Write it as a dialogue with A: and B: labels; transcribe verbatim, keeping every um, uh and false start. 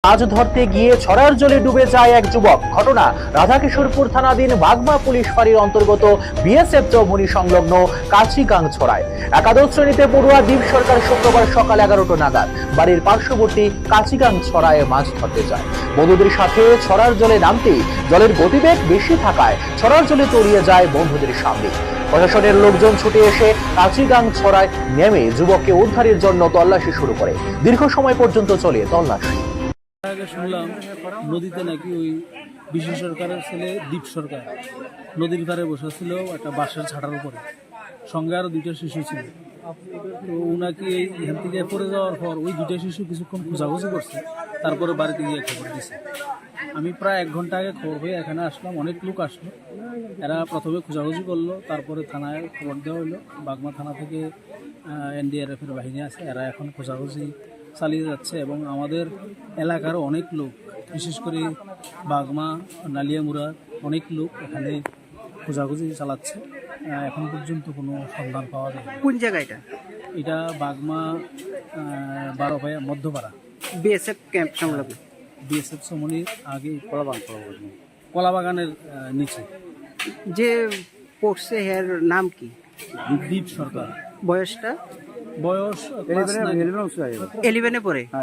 A: মাছ ধরতে গিয়ে ছড়ার জলে ডুবে যায় এক যুবক। ঘটনা রাধাকিশোরপুর থানাধীন বাগমা পুলিশ ফাঁড়ির অন্তর্গত বিএসএফ চৌমুহনী সংলগ্ন কাচিগাং ছড়ায়। একাদশ শ্রেণীতে পড়ুয়া দীপ সরকার শুক্রবার সকাল এগারোটা নাগাদ বাড়ির পার্শ্ববর্তী কাচিগাং ছড়ায় মাছ ধরতে যায়। বন্ধুদের সাথে ছড়ার জলে নামতেই জলের গতিবেগ বেশি থাকায় ছড়ার জলে তলিয়ে যায় বন্ধুদের সামনে। প্রশাসনের লোকজন ছুটে এসে কাচিগাং ছড়ায় নেমে যুবককে উদ্ধারের জন্য তল্লাশি শুরু করে। দীর্ঘ সময় পর্যন্ত চলে তল্লাশি।
B: আগে শুনলাম নদীতে নাকি ওই বিশেষ সরকারের ছেলে দীপ সরকার নদীর ধারে বসেছিল একটা বাঁশের ছাটার উপরে, সঙ্গে আরো দুইটা শিশু ছিল। তো ওনাকে এখান থেকে পড়ে যাওয়ার পর ওই দুইটা শিশু কিছুক্ষণ খোঁজাখুঁজি করছে, তারপরে বাড়িতে গিয়ে খবর দিছে। আমি প্রায় এক ঘন্টা আগে খবর হয়ে এখানে আসলাম, অনেক লোক আসলো। এরা প্রথমে খোঁজাখুঁজি করলো, তারপরে থানায় খবর দেওয়া হলো। বাগমা থানা থেকে এনডিআরএফ এর বাহিনী আছে, এরা এখন খোঁজাখুঁজি চালিয়ে যাচ্ছে। এবং আমাদের এলাকারও অনেক লোক, বিশেষ করে বাগমা নালিয়ামুড়া অনেক লোক এখানে খোঁজাখুঁজি চালাচ্ছে। এখন পর্যন্ত কোনো সন্ধান পাওয়া যায় না।
C: কোন জায়গা এটা?
B: এটা বাগমা বারোপায়া মধ্যপাড়া
C: বিএসএফ ক্যাম্প সংলগ্ন।
B: বিএসএফ চৌমুহনীর আগে কলাবাগান, কলাবাগানের নিচে।
C: যে পড়ছে এর নাম কি?
B: দীপ সরকার।
C: বয়সটা?
B: বয়স
C: ইলেভেনে পড়ে।